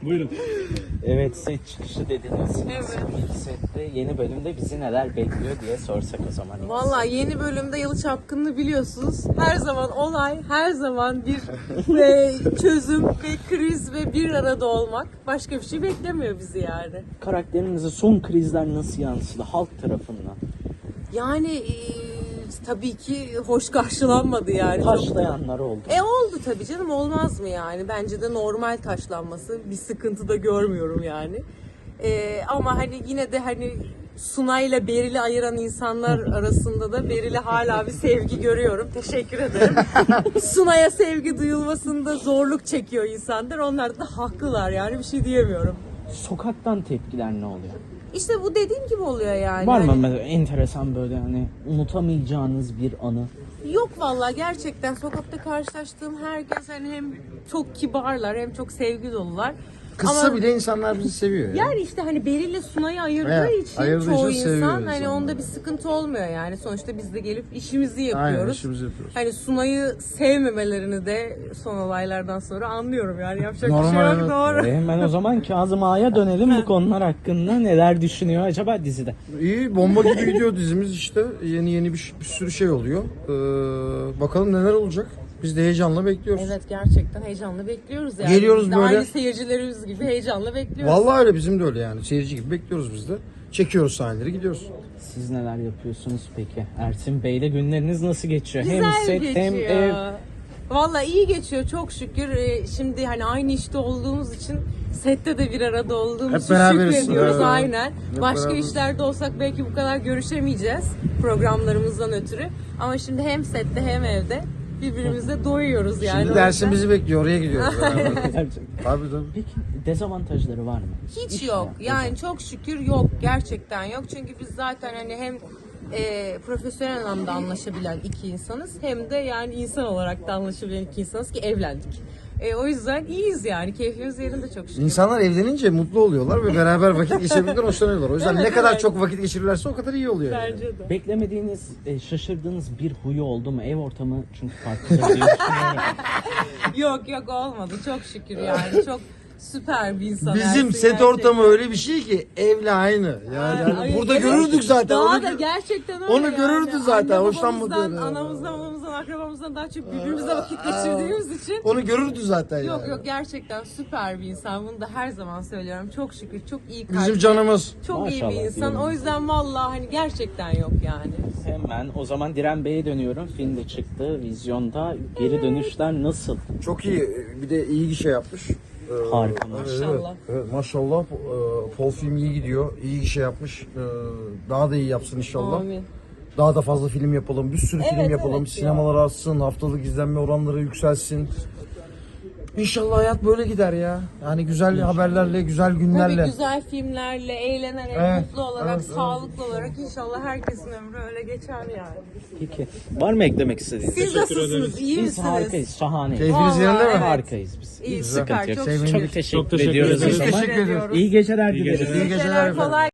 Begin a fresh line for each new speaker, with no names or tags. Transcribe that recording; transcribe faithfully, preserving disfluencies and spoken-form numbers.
Buyurun.
Evet, set çıkışı dediniz.
Evet.
Sette yeni bölümde bizi neler bekliyor diye sorsak o zaman.
Vallahi yeni bölümde Yalı Çapkını'nı biliyorsunuz. Her zaman olay, her zaman bir e, çözüm ve kriz ve bir arada olmak. Başka bir şey beklemiyor bizi yani.
Karakterinize son krizler nasıl yansıdı halk tarafından?
Yani e, tabii ki hoş karşılanmadı yani. Çok-
Taşlayanlar oldu.
E oldu tabii canım, olmaz mı yani? Bence de normal taşlanması. Bir sıkıntı da görmüyorum yani. E, ama hani yine de hani Sunay'la Beril'i ayıran insanlar arasında da Beril'e hala bir sevgi görüyorum. Teşekkür ederim. Sunay'a sevgi duyulmasında zorluk çekiyor insanlar. Onlar da haklılar yani, bir şey diyemiyorum.
Sokaktan tepkiler ne oluyor?
İşte bu dediğim gibi oluyor yani.
Var mı
Hani-
mesela enteresan böyle hani unutamayacağınız bir anı?
Yok vallahi, gerçekten sokakta karşılaştığım herkes hani hem çok kibarlar hem çok sevgi dolular.
Kızsa
Ama
bile insanlar bizi seviyor ya.
yani işte hani Beril'le Sunay'ı ayırdığı
Evet,
için
ayırdığı
çoğu
için
insan
seviyor
hani
insanlar.
onda bir sıkıntı olmuyor yani. Sonuçta biz de gelip işimizi yapıyoruz.
Aynen, işimizi yapıyoruz.
Hani Sunay'ı sevmemelerini de son olaylardan sonra anlıyorum yani, yapacak bir
Normal,
şey yok,
evet.
doğru.
E hemen o zaman Kazım Ağa'ya dönelim, bu konular hakkında neler düşünüyor acaba dizide?
İyi, bomba gibi gidiyor dizimiz işte. Yeni yeni bir, bir sürü şey oluyor. Ee, bakalım neler olacak. Biz de heyecanla bekliyoruz.
Evet, gerçekten heyecanla bekliyoruz yani.
Geliyoruz
Biz de
böyle.
Aynı seyircilerimiz gibi heyecanla bekliyoruz.
Vallahi öyle, bizim de öyle yani. Seyirci gibi bekliyoruz biz de. Çekiyoruz sahneleri, gidiyoruz.
Siz neler yapıyorsunuz peki? Ersin Bey'le günleriniz nasıl geçiyor?
Güzel
hem set
geçiyor.
hem ev.
Vallahi iyi geçiyor çok şükür. Ee, Şimdi hani aynı işte olduğumuz için sette de bir arada olduğumuz
Hep
için
beraberiz.
şükrediyoruz
Evet.
aynen.
Hep
Başka
beraberiz.
işlerde olsak belki bu kadar görüşemeyeceğiz programlarımızdan ötürü. Ama şimdi hem sette hem evde birbirimizle doyuyoruz yani.
Şimdi
O
dersin
yüzden
bizi bekliyor, oraya gidiyoruz. beraber.
Gerçekten.
Tabii tabii.
Peki dezavantajları var mı?
Hiç
İş
yok.
hayatı.
Yani çok şükür yok. Gerçekten yok. Çünkü biz zaten hani hem e, profesyonel anlamda anlaşabilen iki insanız, hem de yani insan olarak da anlaşabilen iki insanız ki evlendik. E, o yüzden iyiyiz yani. Keyfimiz yerinde çok şükür.
İnsanlar evlenince mutlu oluyorlar ve beraber vakit geçirebilirler, hoşlanıyorlar. O yüzden
Evet,
ne kadar
evet.
çok vakit geçirirlerse o kadar iyi oluyor. yani.
Bence de.
Beklemediğiniz, e, şaşırdığınız bir huyu oldu mu? Ev ortamı çünkü farklı diye düşünüyorum.
Yok yok, olmadı. Çok şükür yani. Çok süper bir insan.
Bizim
Ersin
set
gerçekten.
ortamı öyle bir şey ki evle aynı. Yani, yani
Ay,
burada
evet.
görürdük zaten.
Daha
Onu
da
gö-
gerçekten öyle
onu
yani.
görürdü zaten,
Anne
hoşlanmadığını.
babamızdan, anamızdan, babamızdan, akrabamızdan daha çok birbirimizle vakit geçirdiğimiz için.
Onu görürdü zaten
Yok
yani.
yok, gerçekten süper bir insan. Bunu da her zaman söylüyorum. Çok şükür çok iyi kalpli.
Bizim canımız.
Çok iyi bir
Maşallah
insan.
diyelim.
O yüzden vallahi hani gerçekten yok yani.
Hemen o zaman Diren Bey'e dönüyorum. Film de çıktı, vizyonda. Geri dönüşler nasıl?
Çok iyi. Bir de iyi gişe yapmış. Ee,
Harika,
evet,
maşallah.
Evet, maşallah. Ee, Pol film iyi gidiyor. İyi gişe yapmış. Ee, Daha da iyi yapsın inşallah.
Amin.
Daha da fazla film yapalım. Bir sürü film
Evet,
yapalım.
evet
Sinemalar artsın. Haftalık izlenme oranları yükselsin. İnşallah hayat böyle gider ya. Yani güzel haberlerle, güzel günlerle.
Tabii güzel filmlerle, eğlenerek,
Evet,
mutlu olarak,
evet, evet.
sağlıklı olarak inşallah herkesin ömrü öyle geçer yani.
Peki. Var mı eklemek istediğiniz?
Siz nasılsınız? İyi
Biz
misiniz?
harikayız, şahaneyiz.
Keyfiniz
Vallahi
yerinde mi?
evet.
Harikayız biz.
İyi,
Hiç
süper,
sıkıntı yok.
çok
Çok,
şükür.
teşekkür,
Çok teşekkür
ediyoruz o
ederiz.
zaman.
Teşekkür ediyoruz.
İyi geceler
İyi
dileriz.
geceler.
İyi geceler efendim.
Kolay